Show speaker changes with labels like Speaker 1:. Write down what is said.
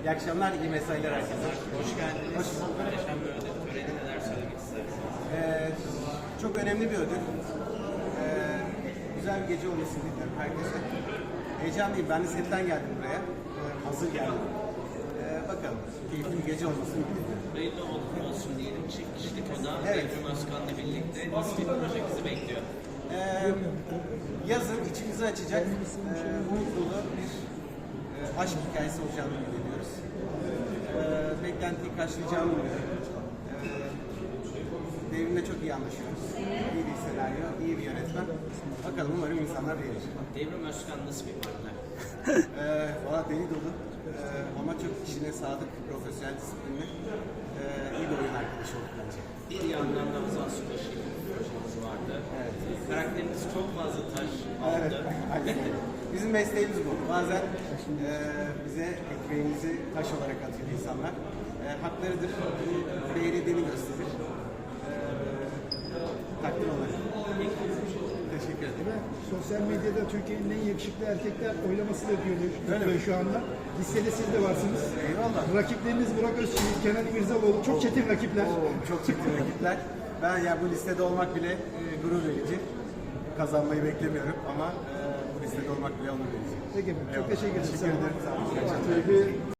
Speaker 1: İyi akşamlar, iyi mesailer herkese.
Speaker 2: Hoş geldiniz.
Speaker 1: Hoş bulduk.
Speaker 2: Muhteşem bir ödül töreni, neler söylemek istersiniz?
Speaker 1: Çok önemli bir ödül. Güzel bir gece olmasını diliyorum herkese. Heyecanlıyım. Ben de setten geldim buraya. Hazır geldim. Bakalım. Keyifli bir gece olmasını diliyorum.
Speaker 2: Hayırlı uğurlu olsun diyelim. Çift kişilik oda,
Speaker 1: Evet.
Speaker 2: Ebru Özkan'la birlikte nasıl bir proje bizi bekliyor?
Speaker 1: Yazın içimizi açacak umut dolu bir aşk hikayesi olacağını ümit ediyoruz. Beklentiyi karşılayacağını umuyorum. Devrimle çok iyi anlaşıyoruz. İyi bir senaryo, iyi bir yönetmen. Bakalım umarım insanlar beğenir.
Speaker 2: Ebru Özkan nasıl bir partner?
Speaker 1: Valla deli dolu ama çok işine sadık, profesyonel, disiplinli, iyi bir oyun arkadaşı olduk bence.
Speaker 2: Bir yandan da Ozan Subaşı bir projemiz vardı.
Speaker 1: Evet.
Speaker 2: Karakteriniz çok fazla taş aldı.
Speaker 1: Evet, aynen öyle. Bizim mesleğimiz bu. Bazen bize ekmeğimizi taş olarak atıyor insanlar. Haklarıdır. Bunu beğenildiğini gösterir. Takdir olarak. Teşekkür ederim.
Speaker 3: Ve sosyal medyada Türkiye'nin en yakışıklı erkekler oylaması da yapıyordu
Speaker 1: Öyle mi?
Speaker 3: şu anda. Listede siz de varsınız.
Speaker 1: Eyvallah.
Speaker 3: Rakipleriniz Burak Özçivit, Kenan İmirzalıoğlu. Çok çetin rakipler.
Speaker 1: Çok çetin rakipler. Ben ya bu listede olmak bile gurur verici. Kazanmayı beklemiyorum ama bu listede olmak bile onur verici.
Speaker 3: Peki, çok
Speaker 1: Eyvallah.
Speaker 3: teşekkür ederim.
Speaker 1: Teşekkür ederim. Sağ olun. İyi akşamlar.
Speaker 3: Tabii.